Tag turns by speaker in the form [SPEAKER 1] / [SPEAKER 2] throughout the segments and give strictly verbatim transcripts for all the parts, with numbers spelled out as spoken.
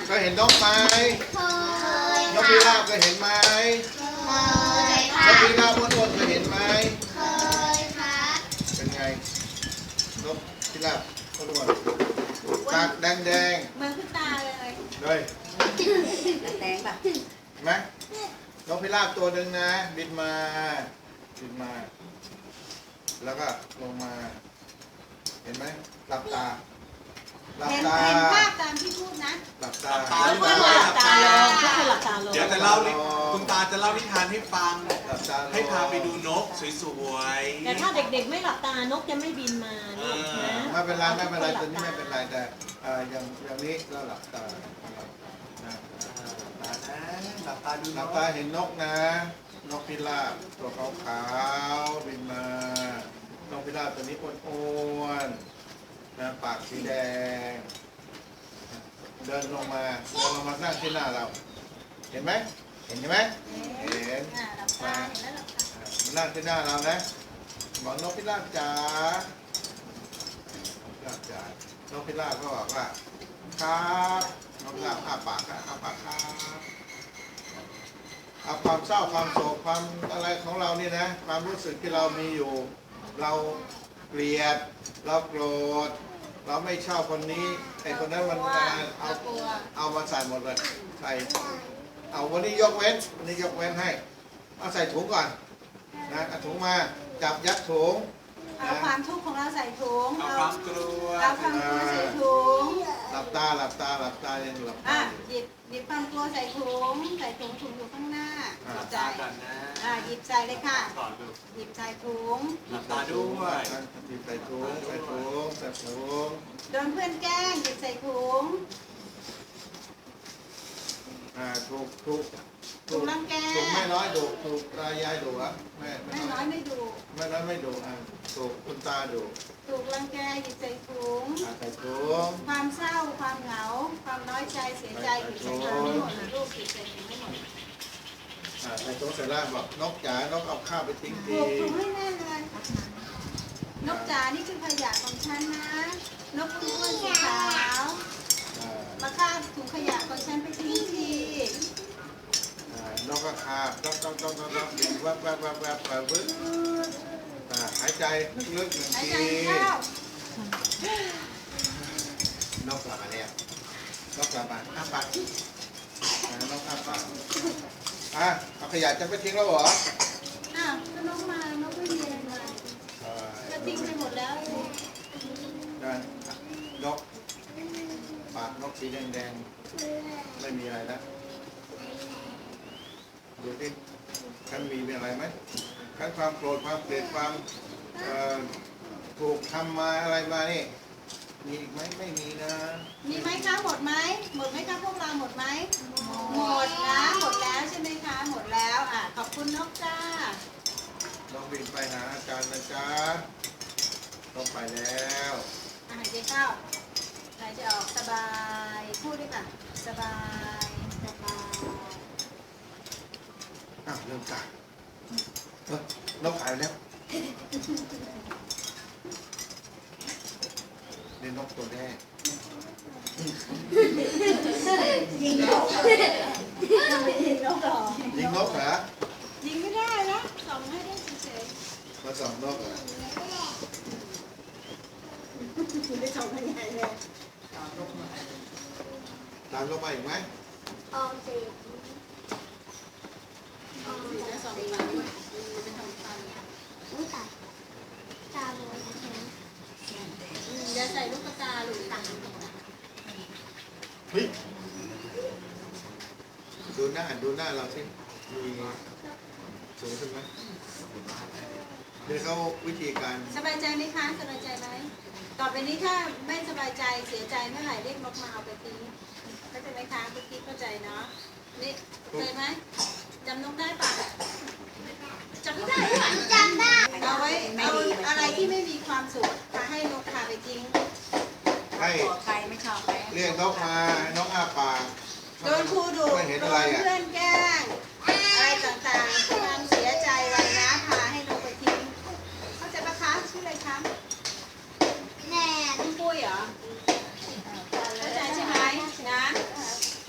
[SPEAKER 1] เคยเห็นนกไหม
[SPEAKER 2] เคย
[SPEAKER 1] นกพิราบเคยเห็นไหม
[SPEAKER 2] เคย
[SPEAKER 1] น
[SPEAKER 2] ค่ะ
[SPEAKER 1] กพิราบอ้วนๆเคยเห็นไหม
[SPEAKER 2] เคยค่ะ
[SPEAKER 1] เป็นไงนกพิราบอ้วนๆตาแดงแดง
[SPEAKER 3] เหมือนคุณตาเลย
[SPEAKER 1] ๆเลย
[SPEAKER 3] แดงป่ะ
[SPEAKER 1] เห็นไหมนกพิราบตัวหนึ่งนะ บินมาบินมา แล้วก็ลงมา เห็นไหมหลับตาหลับ
[SPEAKER 3] เห็น
[SPEAKER 1] ตา
[SPEAKER 3] เห็นภาพตามที่พูดนะ
[SPEAKER 1] หลับตา
[SPEAKER 3] ทุกคนหลับตาลงทุกคนหลับตาลง
[SPEAKER 4] เดี๋ยวจะเล่านิคุณตาจะเล่านิทานให้ฟัง
[SPEAKER 1] หลับตา
[SPEAKER 4] ให้พาไปดูนกสวยๆ
[SPEAKER 3] แต่ถ้าเด็กๆไม่หลับตานกจะไม่บินมาลูกนะ
[SPEAKER 1] ไม่เป็นไรไม่เป็นไรตัวนี้ไม่เป็นไรแต่เอ่ออย่างอย่างนี้เราหลับตานะ
[SPEAKER 4] หลับตานะหลับตาดู
[SPEAKER 1] ห
[SPEAKER 4] น
[SPEAKER 1] ลับ
[SPEAKER 4] ก
[SPEAKER 1] ตาเห็นนกนะ นกพิราบตัวขาวๆบินมานกพิราบตัวนี้อ้วนๆนะปากสีแดง เดินลงมาเดินลงมานั่งที่หน้าเรา เห็นไหมเห็นไหมเห็น
[SPEAKER 3] อ่าหลับตาเห็นแล้วหลับตา
[SPEAKER 1] มานั่งที่หน้าเรานะบอกนกพิราบจ๋า นกพิราบจ๋านกพิราบก็บอกว่าครับนกพิราบอ้าปากครับอ้าปากครับเอาความเศร้าความโศกความอะไรของเรานี่นะความรู้สึกที่เรามีอยู่ เราเกลียดเราโกรธเราไม่ชอบคนนี้ไอ้คนนั้นมันมาเอาเอามาใส่หมดเลยใส่เอาวันนี้ยกเว้นวันนี้ยกเว้นให้เอาใส่ถุงก่อนนะเอาถุงมาจับยัดถุง
[SPEAKER 3] เอาความทุกข์ของเราใส่ถุง
[SPEAKER 4] เอาความกลัว
[SPEAKER 3] เอาความกลัวใส่ถุง
[SPEAKER 1] หลับตาหลับตาหลับตายังหลับตา
[SPEAKER 3] อ่ะ
[SPEAKER 1] อยู่
[SPEAKER 3] หยิบหยิบความกลัวใส่ถุงใส่ถุงถุงอยู่ข้างหน้าห
[SPEAKER 4] หลั
[SPEAKER 3] ยิ
[SPEAKER 4] บบ
[SPEAKER 3] ใจ
[SPEAKER 4] ตาก่อนนะ
[SPEAKER 3] อ่ะหยิบใส่เลยค่ะ
[SPEAKER 4] ก่อนดู
[SPEAKER 3] หยิบใส่ถุง
[SPEAKER 4] หลับตาด้วย
[SPEAKER 1] จิบใส่ถุงใส่ถุงใส่ถุง
[SPEAKER 3] โดนเพื่อนแกล้งหยิบใส่ถุง
[SPEAKER 1] อ่าถูกถูก
[SPEAKER 3] ถูกรังแก
[SPEAKER 1] ถูกไม่น้อยดุถูกตายายดุอะแม่
[SPEAKER 3] ไม่น้อยไม่ดู
[SPEAKER 1] ไม่น้อยไม่ดุอ่ะถูกคุณตาดุ
[SPEAKER 3] ถูกรังแกหยิบใส่ถุง
[SPEAKER 1] อ่าใส่ถุง
[SPEAKER 3] ความเศร้าความเหงา ความน้อยใจเสียใจหยิบใส่ถุงให้หมดนะลูกหยิบใส่ถุงให้หมด
[SPEAKER 1] อ่าใส่ถุงเสร็จแล้วบอกนกจ๋านกเอาข้าวไปทิ้ง
[SPEAKER 3] ผู
[SPEAKER 1] ที
[SPEAKER 3] กถุงให้แน่นเลยนกจ๋านี่คือขยะของฉันนะ นกอ้วนสีขาว
[SPEAKER 1] อ่า
[SPEAKER 3] มาคาบถุงขยะของฉันไปทิ้งที
[SPEAKER 1] อ่านกก็คาบต้องต้องต้องต้องต้องบินแวบแวบแวบแวบไปวึบอ่าหายใจลึกๆหนึ่ง
[SPEAKER 3] หาย
[SPEAKER 1] ที
[SPEAKER 3] ใจเข้าน
[SPEAKER 1] กกลับมาแล้วนกกลับมาอ้าปากอ่านกอ้าปากอ่ะเอาขยะจะไปทิ้งแล้วเหรอ
[SPEAKER 3] อ้าวก็นกมานกไม่มีอะไรมา
[SPEAKER 1] อ่า
[SPEAKER 3] ก็ทิ้งไปหมดแล้ว
[SPEAKER 1] ได้นกปากนกสีแดงๆไม่มีอะไรแล้วดูสิฉันมีอะไรไหมฉันความโกรธความเกลียดความเอ่อถูกทำมาอะไรมานี่มีอีกไหมไม่มีนะ
[SPEAKER 3] มีไหมคะหมดไหมหมดไหมคะพวกเราหมดไหมหมดนะหมดแล้วใช่ไหมคะหมดแล้วอ่ะขอบคุณนกจ้า
[SPEAKER 1] น้องบินไปหาอาจารย์นะจ๊ะต้องไปแล้ว
[SPEAKER 3] อาหายใจเข้าหายใจออกสบายพูดด้วยค่ะสบายสบาย
[SPEAKER 1] อ้าวเริ่มกายเอ้ยนกหายไปแล้วนี่นกตัวแรก
[SPEAKER 3] ยิงนกทำไมยิงนกหรอ
[SPEAKER 1] ยิงนกเหรอ
[SPEAKER 3] ยิงไม่ได้นะส่องให้ได้เฉย
[SPEAKER 1] มาส่องนกเหรอ
[SPEAKER 3] ๆคุณได้ส่องยังไงเลย
[SPEAKER 1] ตามนกมาอีกไหม
[SPEAKER 2] ออมสินออม
[SPEAKER 3] สี
[SPEAKER 2] สิน
[SPEAKER 3] ได้ส่องตาด้วยเป็นทองคำ
[SPEAKER 2] อุ้ยตายตาบอดนะฉัน
[SPEAKER 3] อย่าใส่ลูกตาหรือตัง
[SPEAKER 1] เฮ้ยดูหน้าดูหน้าเราสิมีสูงขึ้นไหมเดี๋ยวเขาวิธีการ
[SPEAKER 3] สบายใจไหมคะสบายใจไหมต่อไปนี้ถ้าไม่สบายใจเสียใจเมื่อไหร่เรียกนกมาเอาไปทิ้งเข้าใจไหมคะเมื่อกี้เข้าใจเนาะนี่เข้าใจไหมจำนกได้ปะจำไม่ได้ปะ
[SPEAKER 2] จำได้
[SPEAKER 3] เอาไว้เอาอะไรที่ไม่มีความสุขพาให้นกพาไปทิ้ง
[SPEAKER 1] ให้
[SPEAKER 3] ใครไม่ชอบไหม
[SPEAKER 1] เรียกนกมานกอ้าปาก
[SPEAKER 3] โดนครูดุ
[SPEAKER 1] ไม่เห็น
[SPEAKER 3] โด
[SPEAKER 1] อะไร
[SPEAKER 3] น
[SPEAKER 1] อ่ะ
[SPEAKER 3] เพื่อนแกล้งอะไรต่างๆความเสียใจวันนะพาให้นกไปทิ้งเข้าใจปะคะชื่ออะไรคะ
[SPEAKER 2] แน่
[SPEAKER 3] คุณปุ้ยเหรอเข้าใจใช่ไหมนะ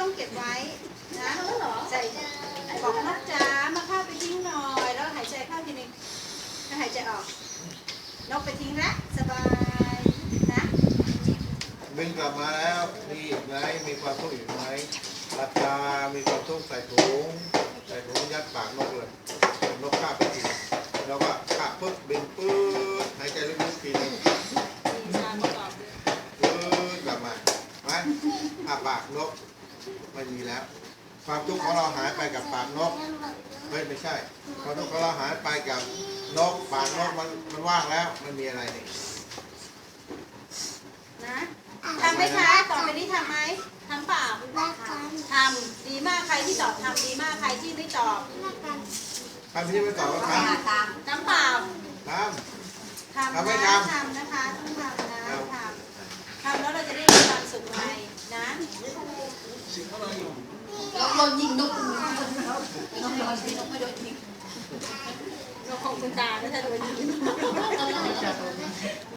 [SPEAKER 3] ต้องเก็บไว้นะใส่บอกนกจ๋ามาเข้าไปทิ้งหน่อยแล้วหายใจเข้าทีนึงแล้วหายใจออกนกไปทิ้งละสบายนะ
[SPEAKER 1] บินกลับมาแล้วมีอีกไหมมีความทุกข์อีกไหมหลับตามีความทุกข์ใส่ถุงใส่ถุงยัดปากนกเลยนกคาบไปทีแล้วก็คาบปุ๊บบินปื๊ดหายใจลึกๆทีนึง
[SPEAKER 3] มีชาประกอบด้วย
[SPEAKER 1] ปื๊ดกลับมาไหมอาปากนกไม่มีแล้ว ความทุกข์ของเราหายไปกับปากนกเฮ้ยไม่ใช่ความทุกข์ของเราหายไปกับนกปากนกมันมันว่างแล้วมันมีอะไรนี่
[SPEAKER 3] นะทำไหมคะต่อไปนี้ทำไหมทำเปล่า
[SPEAKER 2] รักกัน
[SPEAKER 3] ทำดีมากใครที่ตอบทำดีมากใครที่ไม่ตอบ
[SPEAKER 2] รักกัน
[SPEAKER 1] ทำที่ไม่ตอบก็ท
[SPEAKER 3] ทำเปล่า
[SPEAKER 1] ำท
[SPEAKER 3] ทำ
[SPEAKER 1] ทำไม่
[SPEAKER 3] นะ
[SPEAKER 1] ทำ
[SPEAKER 3] ทำนะคะต้องทำนะ
[SPEAKER 1] ครับ
[SPEAKER 3] ทำทำแล้วเราจะได้มีความสุขไงนะ
[SPEAKER 5] นกโดนยิงนกนกโดนยิงนกไม่โดนยิง
[SPEAKER 3] เราคงคุณตาไม่ใช่โดนยิง